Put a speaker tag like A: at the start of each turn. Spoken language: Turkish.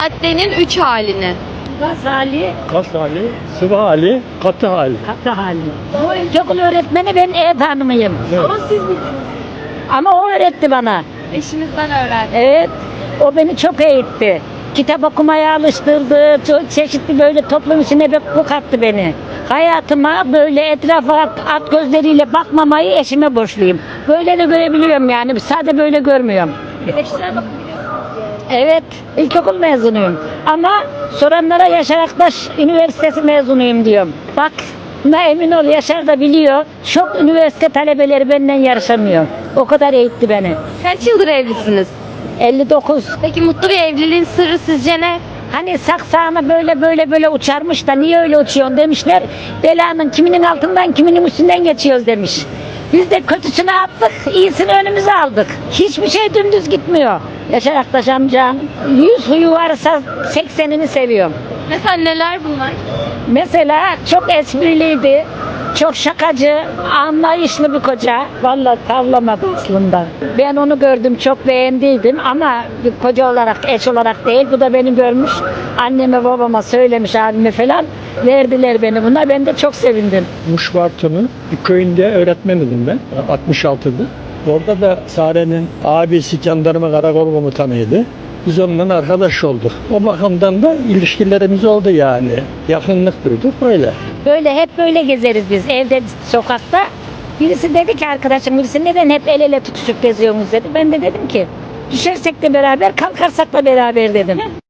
A: Maddenin 3 halini.
B: Gaz hali,
C: Kas hali, sıvı hali, katı hali.
B: katı hali. Bu ilkokul öğretmeni ben ev hanımıyım.
C: Evet.
A: Ama siz
B: Ama o öğretti bana.
A: eşinizden öğrendiniz.
B: Evet, o beni çok eğitti. Kitap okumaya alıştırdı, çok çeşitli böyle toplum içine bir bu kattı beni. Hayatıma böyle etrafa at gözleriyle bakmamayı eşime borçluyum. Böyle de görebiliyorum yani, sadece böyle görmüyorum.
A: Güneşlere bakın.
B: Evet, ilkokul mezunuyum. Ama soranlara Yaşar Aktaş Üniversitesi mezunuyum diyorum. Bak, buna emin ol, Yaşar da biliyor. Çok üniversite talebeleri benden yarışamıyor. O kadar eğitti beni.
A: Kaç yıldır evlisiniz?
B: 59.
A: Peki mutlu bir evliliğin sırrı sizce ne?
B: Hani saksağına böyle uçarmış da niye öyle uçuyorsun demişler. Belanın kiminin altından kiminin üstünden geçiyoruz demiş. Biz de kötüsünü attık, iyisini önümüze aldık. Hiçbir şey dümdüz gitmiyor. Yaşar Aktaş amcam 100 huyu varsa 80'ini seviyorum.
A: Mesela neler bunlar?
B: Mesela çok espriliydi, çok şakacı, anlayışlı bir koca. Vallahi tavlamadı aslında. Ben onu gördüm, çok beğendiydim ama bir koca olarak, eş olarak değil. Bu da beni görmüş, anneme babama söylemiş, abime falan. Verdiler beni buna, ben de çok sevindim.
C: Muşvartı'nın bir köyünde öğretmeniydim ben, 66'da. Orada da Sare'nin abisi jandarma karakol komutanıydı. Biz onunla arkadaş olduk. O bakımdan da ilişkilerimiz oldu yani. Yakınlık duyduk böyle.
B: Böyle hep böyle gezeriz biz evde, sokakta. Birisi dedi ki, arkadaşım birisi, neden hep el ele tutuşup geziyorsunuz dedi. Ben de dedim ki, düşersek de beraber, kalkarsak da beraber dedim.